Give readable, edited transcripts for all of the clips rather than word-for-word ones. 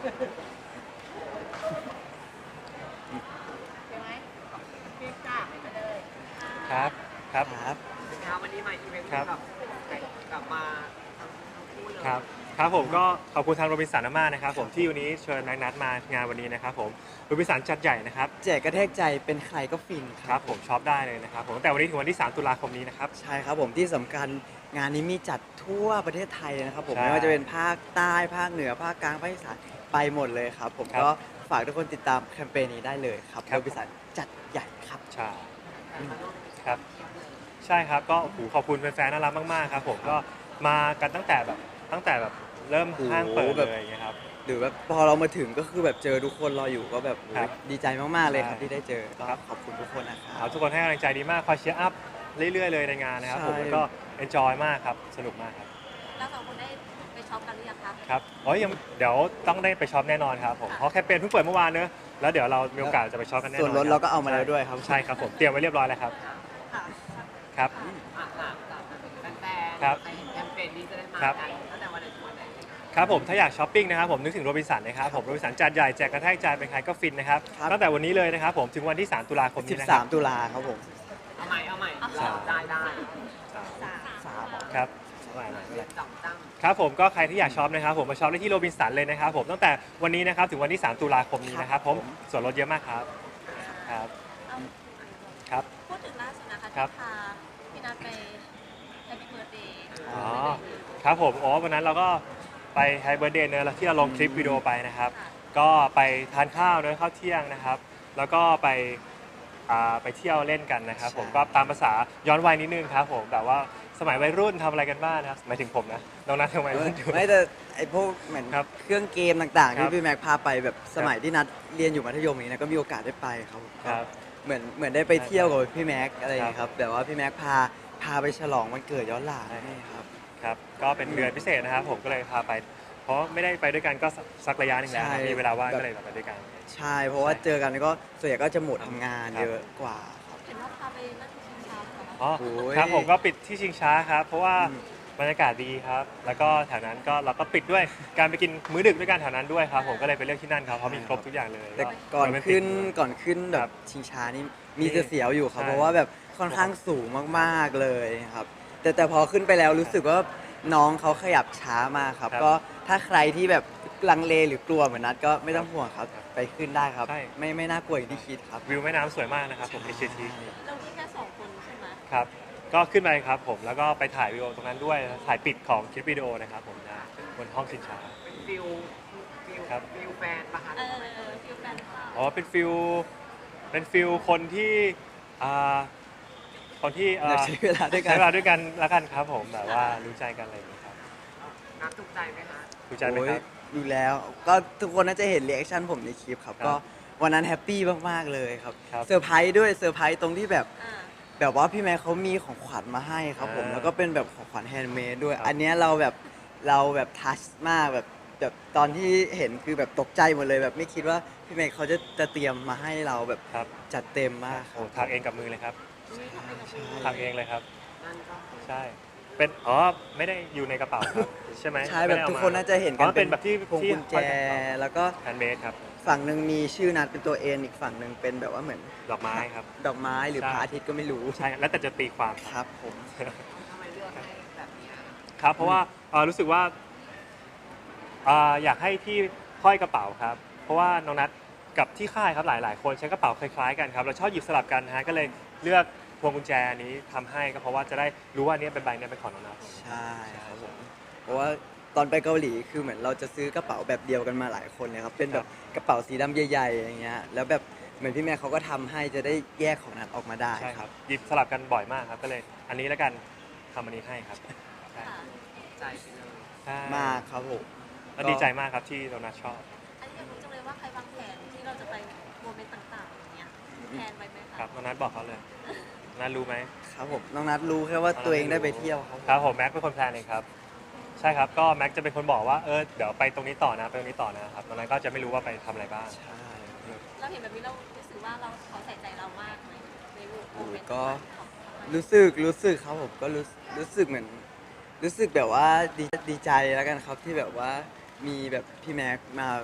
ใช่ไหมพี่จ้าไปเลยครับครับครับวันนี้มาอีเวนต์ครับแบบกลับมาทั้งคู่เลยครับครับผมก็ขอบคุณทางโรบินสันมากๆนะครับผมที่วันนี้เชิญนัดมางานวันนี้นะครับผมโรบินสันจัดใหญ่นะครับแจกกระแทกใจเป็นใครก็ฟินคครับผมช็อปได้เลยนะครับผมแต่วันนี้ถึงวันที่3 ตุลาคมนี้นะครับใช่ครับผมที่สำคัญงานนี้มีจัดทั่วประเทศไทยนะครับผมใช่ไม่ว่าจะเป็นภาคใต้ภาคเหนือภาคกลางภาคอีสานไปหมดเลยครับผมครับก็ฝากทุกคนติดตามแคมเปญนี้ได้เลยครับครับโดยบริษัทจัดใหญ่ครับใช่ครับใช่ครับก็โอ้โหขอบคุณแฟนๆน่ารักมากๆครับผมก็มากันตั้งแต่แบบเริ่มห้างเปิดโอ้โหเลแบบยอย่างเงี้ยครับหรือแบบพอเรามาถึงก็คือแบบเจอทุกคนรออยู่ก็แบบครับดีใจมากๆเลยครับใช่ที่ได้เจอก็ครับขอบคุณทุกคนนะคครัรับบ ทุกคนให้กำลังใจดีมากคอยเชียร์อัพเรื่อยๆเลยในงานนะครับผมใช่แล้วก็เอนจอยมากครับสนุกมากครับแล้วสองคนได้ไปช็อปกันหรือยังคะครับอ๋อยังเดี๋ยวต้องได้ไปช็อปแน่นอนครับผมเพราะแคมเปญเพิ่งเปิดเมื่อวานเนอะแล้วเดี๋ยวเรามีโอกาสจะไปช็อปกันแน่นอนส่วนลดเราก็เอามาแล้วด้วยครับใช่ครับผมเตรียมไว้เรียบร้อยแล้วครับค่ะครับแฟนๆครับใครเห็นแคมเปญนี้จะได้มาครับกันตั้งแต่วันไหนถึงวันไหนครับผมถ้าอยากช้อปปิ้งนะครับผมนึกถึงโรบินสันนะครับผมโรบินสันจัดใหญ่แจกกระแทกใจเป็นใครก็ฟินนะครับครับตั้งแต่วันนี้เลยนะครับผมถึงวันที่3 ตุลาคมนี้นะครับ 13 ตุลาครับผมเอาใหม่ได้สามครับจับตั้งครับผมก็ใครที่อยากช็อปนะครับผมมาช็อปได้ที่โรบินสันเลยนะครับผมตั้งแต่วันนี้นะครับถึงวันที่3 ตุลาคมนี้นะครับผมส่วนลดเยอะมากครับครับเอาครับพูดถึงล่าสุดนะคะครัที่บพาพี่นัทไปแฮปปี้เบิร์ดเดย์อ๋อครับผมอ๋อวันนั้นเราก็ไปไฮเบอร์เดย์เนอะที่เราลงคลิปวิดีโอไปนะครับ ก็ไปทานข้าวเนอะข้าวเที่ยงนะครับ แล้วก็ไปเที่ยวเล่นกันนะครับ ผมใช่ก็ตามภาษาย้อนวัยนิดนึงครับผมแบบว่าสมัยวัยรุ่นทำอะไรกันบ้างนะครับหมายถึงผมนะน้องนัททำไมรุ่นอยู่ไม่แต่ไอพวกเหมือนครับเครื่องเกมต่างๆครัที่บพี่แม็กพาไปแบบสมัยที่นัดเรียนอยู่มัธยมอย่างนี้นะก็มีโอกาสได้ไปครับครับเหมือนได้ไปเที่ยวกับพี่แม็กอะไรอย่างเงี้ยคครัรับ บแต่ว่าพี่แม็กพาไปฉลองวันเกิดย้อนหลังนี่ครับครับก็เป็นเดือนพิเศษนะครับ ผมก็เลยพาไป เพราะไม่ได้ไปด้วยกันก็สักระยะหนึงแล้วใช่มีเวลาว่างแบบก็เลยไปด้วยกันใช่เพราะว่าเจอกันก็ส่วนใหญ่ก็จะหมดทำงานครับเยอะกว่าครับเห็นว่าพาไปนั่งชิงช้าเหรอคะอ๋อโอ้ยครับผมก็ปิดที่ชิงช้าครับ เพราะว่าอืมบรรยากาศดีครับ แล้วก็แถวนั้นก็เราก็ปิดด้วยการไปกินมื้อดึกด้วยกันแถวนั้นด้วยครับ ผมก็เลยไปเลือกที่นั่นครับเพราะมีครบทุกอย่างเลยแต่ก่อนโรแมติขึ้นเลยก่อนขึ้นแบครับ บชิงช้านี่มีจะเสียวอยู่ครับใช่เพราะว่าแบบค่อนข้างสูงมากๆเลยครับ แต่พอขึ้นไปแล้วรู้สึกว่าน้องเขาขยับช้ามากครับครับก็ถ้าใครที่แบบลังเลหรือกลัวเหมือนนัดก็ไม่ต้องห่วงครับครับไปขึ้นได้ครับใช่ไม่น่ากลัวอย่างที่คิดครับวิวแม่น้ำสวยมากนะครับผม HT เราที่แค่สองคนใช่ไหมครับ ก็ขึ้นไปครับผมแล้วก็ไปถ่ายวิดีโอตรงนั้นด้วยถ่ายปิดของคลิปวิดีโอนะครับผมนะบนห้องชิงช้าเป็นฟิลครับแฟนปะคะฟิลแฟนเปล่าอ๋อเป็นฟิลคนที่อ่าคนที่อยากใช้เวลาด้วยกันใช้เวลาด้วยกันแล้วกันครับผมแบบว่ารู้ใจกันอะไรอย่างนี้ครับนัดถูกใจไหมคะรู้ใจไหมครับโอ้ยดูแล้วก็ทุกคนน่าจะเห็นรีแอคชั่นผมในคลิปครับครับก็วันนั้นแฮปปี้มากๆเลยครับครับเซอร์ไพรส์ด้วยเซอร์ไพรส์ตรงที่แบบอ่าแบบว่าพี่แม่เขามีของขวัญมาให้ครับผมอ่าแล้วก็เป็นแบบของขวัญแฮนด์เมดด้วยครับอันเนี้ยเราแบบทัชมากแบบตอนที่เห็นคือแบบตกใจหมดเลยแบบไม่คิดว่าพี่แม่เขาจะเตรียมมาให้เราแบบครับจัดเต็มมากคโอ้รับทางเองกับมือเลยครับนี่ทำไปกับมือทางเองเลยครับนั่นก็ใช่เป็นอ๋อไม่ได้อยู่ในกระเป๋าครับใช่ไหมใช่แบบทุกคนน่าจะเห็นอ๋กัอน เป็นแบบที่พวงกุญแจ แล้วก็แฮนด์เมดครับฝั่งหนึ่งมีชื่อนัดเป็นตัวเอ็นอีกฝั่งหนึ่งเป็นแบบว่าเหมือนดอกไม้ครับดอกไม้หรือใช่พระอาทิตย์ก็ไม่รู้ใช่แล้วแต่จะตีความครับครับผมทำไมเลือกให้แบบนี้อะครับเพราะว่ารู้สึกว่าอยากให้ที่ห้อยกระเป๋าครับ เพราะว่าน้องนัทกับที่ค่ายครับหลาย ๆ คนใช้กระเป๋าคล้าย ๆ กันครับเราชอบหยิบสลับกันนะฮะก็เลยเลือกพวงกุญแจอันนี้ทำให้ก็เพราะว่าจะได้รู้ว่าอันนี้เป็นใบนี้เป็นของน้องนัทใช่ครับผมเพราะว่าตอนไปเกาหลีคือเหมือนเราจะซื้อกระเป๋าแบบเดียวกันมาหลายคนเลยครับเป็นแบบกระเป๋าสีดำใหญ่ๆอย่างเงี้ยแล้วแบบเหมือนพี่แม่เขาก็ทำให้จะได้แยกของนัดออกมาได้ใช่คครัรับ บหยิบสลับกันบ่อยมากครับก็เลยอันนี้แล้วกันทำอันนี้ให้ครับใช่ค่ะใจไปเลยใช่มากครับผมแล้วดีใจมากครับที่น้องนัทชอบอันนี้อยากรู้จังเลยว่าใครวางแผนที่เราจะไปโมเมนต์ต่างๆอย่างเงี้ยแผนไว้ไหมคะครับน้องนัทบอกเขาเลยน้องนัทรู้ไหมครับผมน้องนัดรู้แค่ว่าตัวเองได้ไปเที่ยวครับครับผมแม็กเป็นคนแพลนเองครับใช่ครับก็แม็กจะเป็นคนบอกว่าเดี๋ยวไปตรงนี้ต่อนะไปตรงนี้ต่อนะครับตอนนั้นก็จะไม่รู้ว่าไปทำอะไรบ้างใช่เราเห็นแบบนี้เรารู้สึกว่าเราเขาใส่ใจเรามากไหมในโมเมนต์ก็ของเขารู้สึกครับผมก็รู้สึกเหมือนรู้สึกแบบว่าดีใจแล้วกันครับที่แบบว่ามีแบบพี่แม็กมาค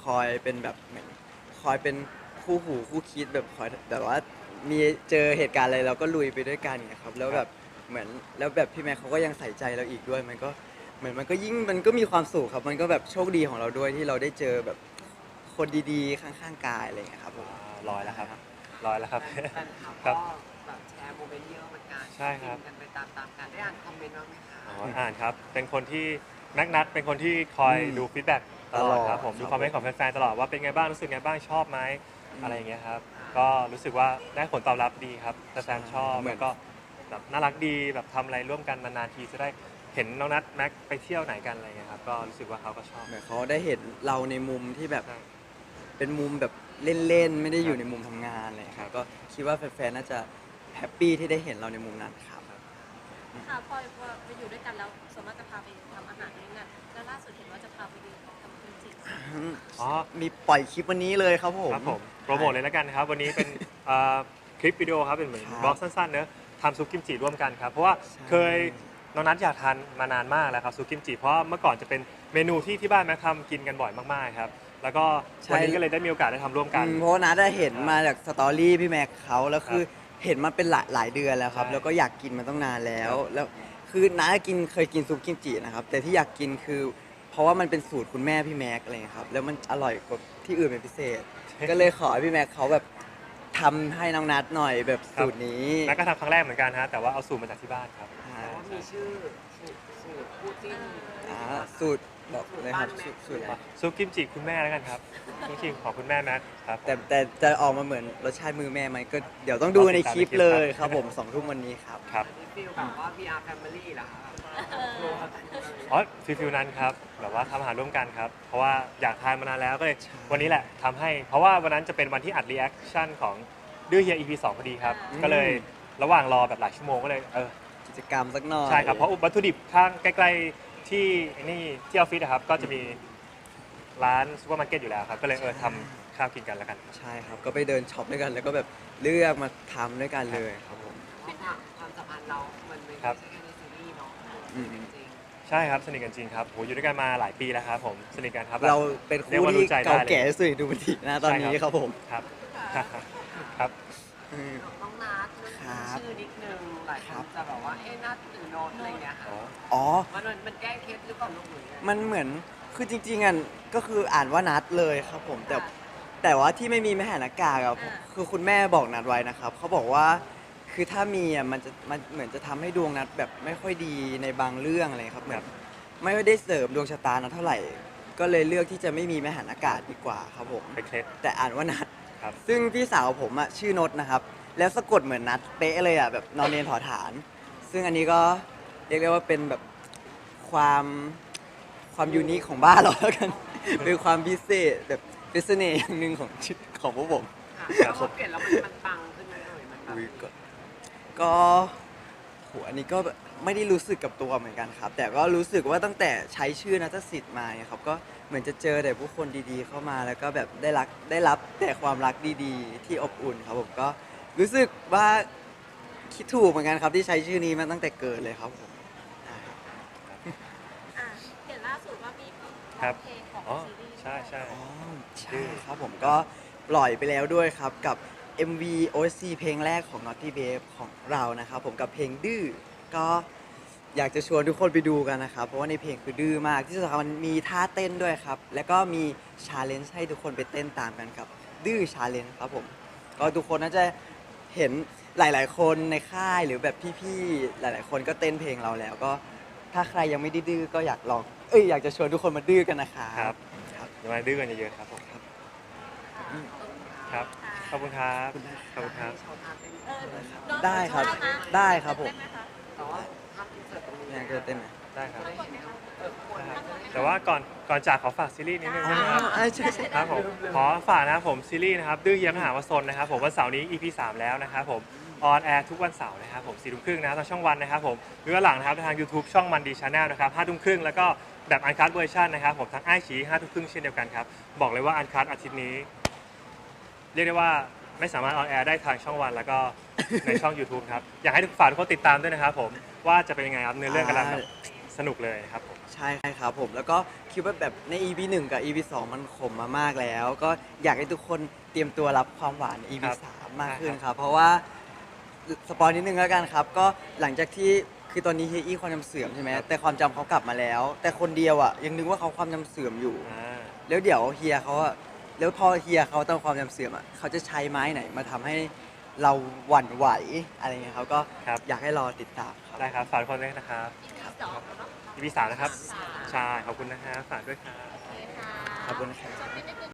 อยเป็นแบบเหมือนคอยเป็นคู่หูคู่คิดแบบคอยแบบว่ามีเจอเหตุการณ์อะไรเราก็ลุยไปด้วยกันไงครับแล้วแบบเหมือนแล้วแบบพี่แม็กเขาก็ยังใส่ใจเราอีกด้วยมันก็เหมือนมันก็ยิ่งมันก็มีความสุขครับมันก็แบบโชคดีของเราด้วยที่เราได้เจอแบบคนดีๆข้างๆกายอะไรอย่างเงี้ยครับผมร้อยแล้วครับร้อยแล้วครับแฟนคลับครัก็บแบบแชร์โมเมนต์เยอะเหมือนกันใช่ครับฟินกันไปตามๆกันได้อ่านคอมเมนต์บ้างไหมคะอ๋ออ่านครับ เป็นคนที่นัดเป็นคนที่คอยดูฟีดแบ็กตลอดครับผมครับดูคอมเมนต์ของแฟนๆตลอดว่าเป็นไงบ้าง รู้สึกไงบ้าง ชอบไหมอะไรอย่างเงี้ยครับ ก็รู้สึกว่าได้ผลตอบรับดีครับแฟนๆชอบเหมือนแล้วก็แบบน่ารักดี แบบทำอะไรร่วมกันนานๆทีจะได้เห็นน้องนัดแม็กไปเที่ยวไหนกันอะไรเงี้ยครับ ก็รู้สึกว่าเขาก็ชอบเหมือนเขาได้เห็นเราในมุมที่แบบใช่เป็นมุมแบบเล่นๆไม่ได้อยู่ในมุมทำงานอะไรอย่างเลยครับก็คิดว่าแฟนๆน่าจะแฮปปี้ที่ได้เห็นเราในมุมนั้นครับค่ะพอไปอยู่ด้วยกันแล้วสมมติจะพาไปทำอาหารด้วยกันแล้วล่าสุดเห็นว่าจะพาไปดูกับคุณจิอ๋อมีปล่อยคลิปวันนี้เลยครับผมครับผมโปรโมทเลยแล้วกันนะครับ วันนี้เป็นคลิปวิดีโอครับเป็นเหมือนครับบล็อกสั้นๆเนอะทำซุปกิมจิร่วมกันครับ เพราะว่าใช่เคยน้องนัทอยากทานมานานมากแล้วครับซุปกิมจิเพราะเมื่อก่อนจะเป็นเมนูที่บ้านแม็กทำกินกันบ่อยมากๆครับแล้วก็วันนี้ก็เลยได้มีโอกาสได้ทำร่วมกันเพราะว่านัดได้เห็นมาจากสตอรี่พี่แม็กเขาแล้วคือเห็นมาเป็นหลายเดือนแล้วครับใช่แล้วก็อยากกินมาต้องนานแล้วครับแล้วคือน้าเคยกินซุปกิมจินะครับแต่ที่อยากกินคือ เพราะว่ามันเป็นสูตรคุณแม่พี่แม็กอะไรเงี้ยครับแล้วมันอร่อยกว่าที่อื่นเป็นพิเศษ ก็เลยขอให้พี่แม็กเขาแบบทำให้น้องนัดหน่อยแบบสูตรนี้นัทก็ทำครั้งแรกเหมือนกันฮะแต่ว่าเอาสูตรมาจากที่บ้านครับแต่ว่ามีชื่อสูตรคู่จิ้นสูตรบอกเลยครับสูตรอะไรซุปกิมจิคุณแม่แล้วกันครับจริงๆของคุณแม่แม็กครับผมแต่จะออกมาเหมือนรสชาติมือแม่ไหมก็เดี๋ยวต้องดูในคลิปเลยครับผม2 ทุ่มวันนี้ครับครับอันนี้ฟีลแบบว่า VR Family เหรอคะรวมกันอ๋อฟิลนั้นครับแบบว่าทำอาหารร่วมกันครับ เพราะว่าอยากทานมานานแล้วก็เลยวันนี้แหละทำให้ เพราะว่าวันนั้นจะเป็นวันที่อัดรีแอคชั่นของดื้อเฮีย EP 2พอดีครับ ก็เลยระหว่างรอแบบหลายชั่วโมงก็เลยกิจกรรมสักหน่อยใช่ครับ เพราะวัตถุดิบข้างใกล้ๆที่นี่ที่ออฟฟิศนะครับ ก็จะมีร้านซูเปอร์มาร์เก็ตอยู่แล้วครับ ก็เลยทำข้าวกินกันแล้วกันใช่ครับก็ไปเดินช็อปด้วยกันแล้วก็แบบเลือกมาทำด้วยกันเลยครับผมความสัมพันธ์เรา มันไม่ครัใช่บแค่ในซีรีส์เนาะอืมจริงใช่ครับสนิทกันจริงครับโหอยู่ด้วยกันมาหลายปีแล้วครับผมสนิทกันครับเราเป็นเรียกคู่ว่ารู้ที่ใจได้เก่าเลยแก่สุดดูมันทีนะตอนนี้ใช่ครับผมครับ ครับอืมๆน้องนัทเรื่องครับชื่อนิดนึงหลายคนจะแบบว่าเอ๊ะนัทหรือโนตอะไรอย่างเงี้ยค่ะอ๋อมันแก้เคล็ดหรือเปล่าลูกหรือไงมันเหมือนคือจริงๆอ่ะก็คืออ่านว่านัดเลยครับผมแต่ว่าที่ไม่มีแม่หานากากอ่ะคือคุณแม่บอกนัดไว้นะครับเขาบอกว่าคือถ้ามีอ่ะมันเหมือนจะทำให้ดวงนัดแบบไม่ค่อยดีในบางเรื่องอะไรครับเหมือนไม่ได้เสริมดวงชะตานัดเท่าไหร่ ก็เลยเลือกที่จะไม่มีแม่หานากาดีกว่าครับผมเป็นเคล็ดแต่อ่านว่านัดครับซึ่งพี่สาวผมอ่ะชื่อนดนะครับ แล้วสะกดเหมือนนัดเป๊ะเลยอ่ะแบบนอนเรียนถอฐาน ซึ่งอันนี้ก็เรียกได้ว่าเป็นแบบความยูนิคของบ้านเราแล้วกัน เป็นความพิเศษแบบเป็นเสน่ห์อย่างหนึ่งของชีวิตของพวกผมค่ะครับพอเปลี่ยนแล้วมันปังขึ้นไหมเอ่ยมันแบบอุ๊ยก็โหอันนี้ก็ไม่ได้รู้สึกกับตัวเหมือนกันครับ แต่ก็รู้สึกว่าตั้งแต่ใช้ชื่อนัทสิทธิ์มาเนี่ยครับก็เหมือนจะเจอแต่ผู้คนดีๆ เข้ามาแล้วก็แบบได้รับแต่ความรักดีๆ ที่อบอุ่นครับผมก็รู้สึกว่าคิดถูกเหมือนกันครับที่ใช้ชื่อนี้มาตั้งแต่เกิดเลยครับผมอ่ะเห็นล่าสุดว่ามีครับเพลงของอ๋อซีรีส์ใช่ใช่อ๋อใช่ครับผมก็ปล่อยไปแล้วด้วยครับกับ MV OST เพลงแรกของ Naughty Babe ของเรานะครับผมกับเพลงดื้อก็อยากจะชวนทุกคนไปดูกันนะครับ เพราะว่าในเพลงคือดื้อมากที่สำคัญมันมีท่าเต้นด้วยครับ แล้วก็มีชาเลนจ์ให้ทุกคนไปเต้นตามกันกับดื้อชาเลนจ์ครับผมก็ทุกคนน่าจะเห็นหลาย ๆ คนในค่ายหรือแบบพี่ๆหลาย ๆ คนก็เต้นเพลงเราแล้วก็ถ้าใครยังไม่ได้ดื้อก็อยากลองอยากจะชวนทุกคนมาดื้อกันนะครับครับครับอย่ามาดื้อกันเยอะๆครับผมครับ ขอบคุณครับ ขอบคุณครับโชว์ท่าเต้นเออน้องได้ครับหมได้ครับผมเต้นไหคะแต่ว่าภาพอินเสิร์ตตรงนี้อยากจะเต้นไหมได้ครับไม่เห็นครับควรแต่ว่าก่อนจากขอฝากซีรีส์นิดนึงนะครับใช่ครับผมขอฝากนะครับผมซีรีส์นะครับดื้อเยียมหาวสนนะครับผมวันเสาร์นี้ EP 3 แล้วนะครับผมออนแอร์ทุกวันเสาร์นะครับผม4 ทุ่มครึ่งนะทางช่องวันนะครับผมหรือว่าหลังนะครับทาง YouTube ช่องมันดีชาแนลนะครับ5 ทุ่มครึ่งแล้วก็แบบอันคัตเวอร์ชันนะครับผมทางไอชี5 ทุ่มครึ่งเช่นเดียวกันครับบอกเลยว่าอันคัตอาทิตย์นี้ เรียกได้ว่าไม่สามารถออนแอร์ได้ทางช่องวันแล้วก็ในช่อง YouTube ครับอยากให้ทุกฝ่ายทุกคนติดตามด้วยนะครับผมว่าจะเป็นยังไงครับเนื้อเรื่องกำลังแบบสนุกเลยนะครับผมใช่ครับผมแล้วก็คิดว่าแบบใน EP 1 กับ EP 2 มันขมมามากแล้ว ก็อยากให้ทุกคนเตรียมตัวรับความหวานใน EP 3 มากขึ้นครับ เพราะว่าสปอยนิดนึงแล้วกันครับ ก็หลังจากที่คือตอนนี้เฮียอี้ความจำเสื่อมใช่ไหมแต่ความจำเขากลับมาแล้ว แต่คนเดียวอ่ะยังนึกว่าเขาความจำเสื่อมอยู่ แล้วเดี๋ยวเฮียเขาอะแล้วพอเฮียเขาต้องความจำเสื่อมอะเขาจะใช้ไม้ไหนมาทำให้เราหวั่นไหวอะไรเงี้ยเขาก็ครับอยากให้รอติดตามครับได้ครับฝากทุกคนด้วยนะครับที่สองเนาะ EP 3นะครับ ใช่ ขอบคุณนะครับฝากด้วยครับโอเคค่ะขอบคุณครับจบนิดนึง